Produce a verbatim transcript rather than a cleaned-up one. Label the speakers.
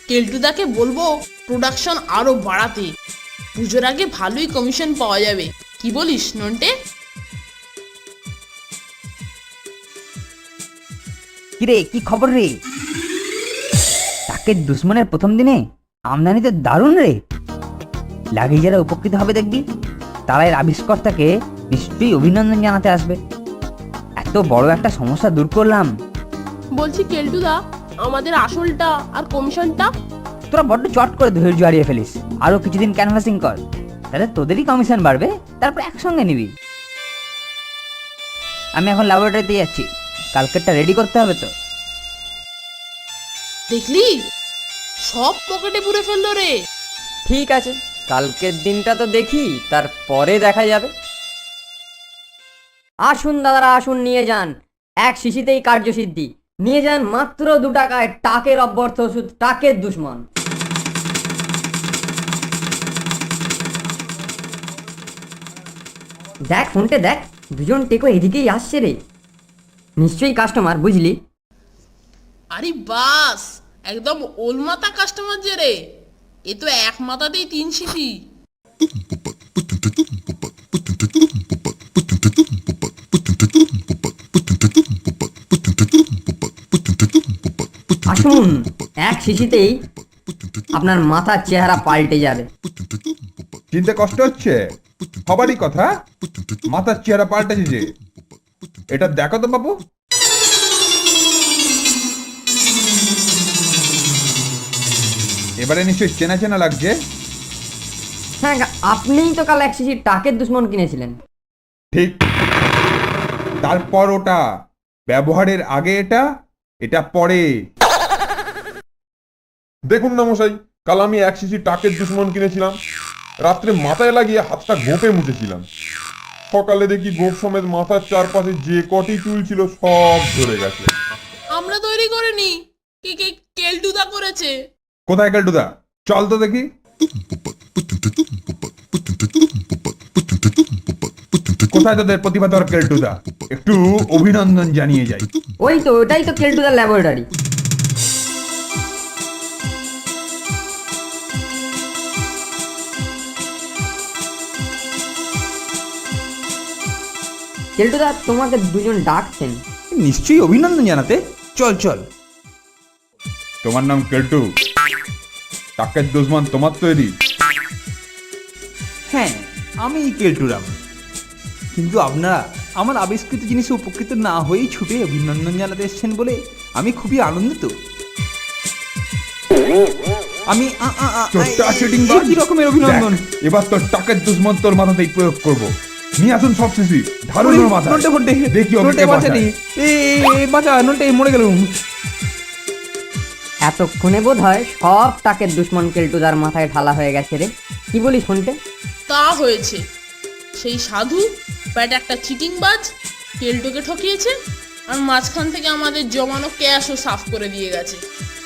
Speaker 1: কেলটুদাকে বলবো প্রোডাকশন আরো বাড়াতে, পুজোর আগে ভালোই কমিশন পাওয়া যাবে। কি বলিস নন্টে?
Speaker 2: কিরে, কি খবর রে? টাকের দুশ্মনের প্রথম দিনে আমদানি তো দারুণ রে। লাগিয়ে যারা উপকৃত হবে দেখবি, তারা এর আবিষ্কর্তাকে নিশ্চয়ই অভিনন্দন জানাতে আসবে। এত বড় একটা সমস্যা দূর করলাম।
Speaker 1: বলছি কেলটুদা, আমাদের আসলটা আর কমিশনটা?
Speaker 2: তোরা বড্ড চট করে ধৈর্য হারিয়ে ফেলিস। আরো কিছুদিন ক্যানভাসিং কর, তাহলে তোদেরই কমিশন বাড়বে, তারপর একসঙ্গে নিবি। আমি এখন ল্যাবরেটরিতে যাচ্ছি, কালকেরটা রেডি করতে হবে তো।
Speaker 1: দেখলি, সব পকেটে পুরে ফেললো রে।
Speaker 3: ঠিক আছে, কালকের দিনটা তো দেখি, তারপরে দেখা যাবে। আসুন দাদারা, আসুন, নিয়ে যান। এক শিশিতেই কার্যসিদ্ধি। নিয়ে যান মাত্র দু টাকায় টাকের অব্যর্থ ওষুধ, টাকের দুশ্মন। দেখ ফোনটে দেখ, দুজন টেকো এদিকেই আসছে রে। নিশ্চয়ই কাস্টমার, বুঝলি?
Speaker 1: আরে বাস, একদম ওলমাতা কাস্টমার যে রে। এ তো এক মাথাতেই তিন শিশি।
Speaker 3: আসুন, এক শিশিতেই আপনার মাথার চেহারা পাল্টে যাবে।
Speaker 4: চিনতে কষ্ট হচ্ছে? হবারই কথা, মাথার চেহারা পাল্টেছে যে। এটা দেখো তো বাবু। এবারে নিশ্চয়ই চেনা চেনা লাগছে।
Speaker 3: হ্যাঁ, আপনিই তো কাল এক শিশি টাকের দুশ্মন কিনেছিলেন।
Speaker 4: ঠিক, তারপর ওটা ব্যবহারের আগে এটা, এটা পরে।
Speaker 5: দেখুন না মশাই, কাল আমি এক শিশি টাকের দুশ্মন কিনেছিলাম, রাত্রে মাথায় লাগিয়ে হাতটা গোপে মুছেছিলাম। সকালে দেখি গোপ সমেত মাথার চারপাশে যে কটি চুল ছিল সব ধরে গেছে।
Speaker 1: আমরা তৈরি করিনি, কে কে কেলটুদা করেছে।
Speaker 4: কোথায় কেলটুদা? চল তো দেখি। কোথায় তোদের প্রতিভাধর কেলটুদা? একটু অভিনন্দন জানিয়ে যাই।
Speaker 3: ওই তো, ওটাই তো কেলটুদার ল্যাবরেটরি। কেলটুদা, তোমাকে দুজন ডাকছেন।
Speaker 6: নিশ্চয়ই অভিনন্দন জানাতে। চল চল।
Speaker 4: তোমার নাম কেলটু? টাকের দুশ্মন তোমার তৈরি?
Speaker 6: হ্যাঁ, আমি কেলটুরাম। কিন্তু আপনারা আমার আবিষ্কৃত জিনিসে উপকৃত না হয়েই ছুটে অভিনন্দন জানাতে এসেছেন বলে আমি খুবই আনন্দিত। আমি আ, আ, আ,
Speaker 4: চোরটা
Speaker 6: এ-
Speaker 4: চিটিং
Speaker 6: এ কি রকমের অভিনন্দন?
Speaker 4: দেখ, এবার তোর টাকের দুশ্মন তোর মাথাতেই প্রয়োগ করব। নিয়ে আসুন সব শিশি, ধারুন ওর মাথা।
Speaker 6: নন্টে ফন্টে,
Speaker 4: দেখি
Speaker 6: নন্টে
Speaker 4: ওকে
Speaker 6: বাঁচানি। এ এ, বাঁচা নন্টে, মরে গেলুম।
Speaker 3: এতক্ষণে বোধ হয় সব টাকের দুশ্মন কেলটুদার মাথায় ঢালা হয়ে গেছে রে। কি বলি শুনতে?
Speaker 1: তা হয়েছে, সেই সাধু ব্যাট একটা চিটিং বাজ কেলটুকে ঠকিয়েছে, আর মাঝখান থেকে আমাদের জমানো ক্যাশও সাফ করে দিয়ে গেছে।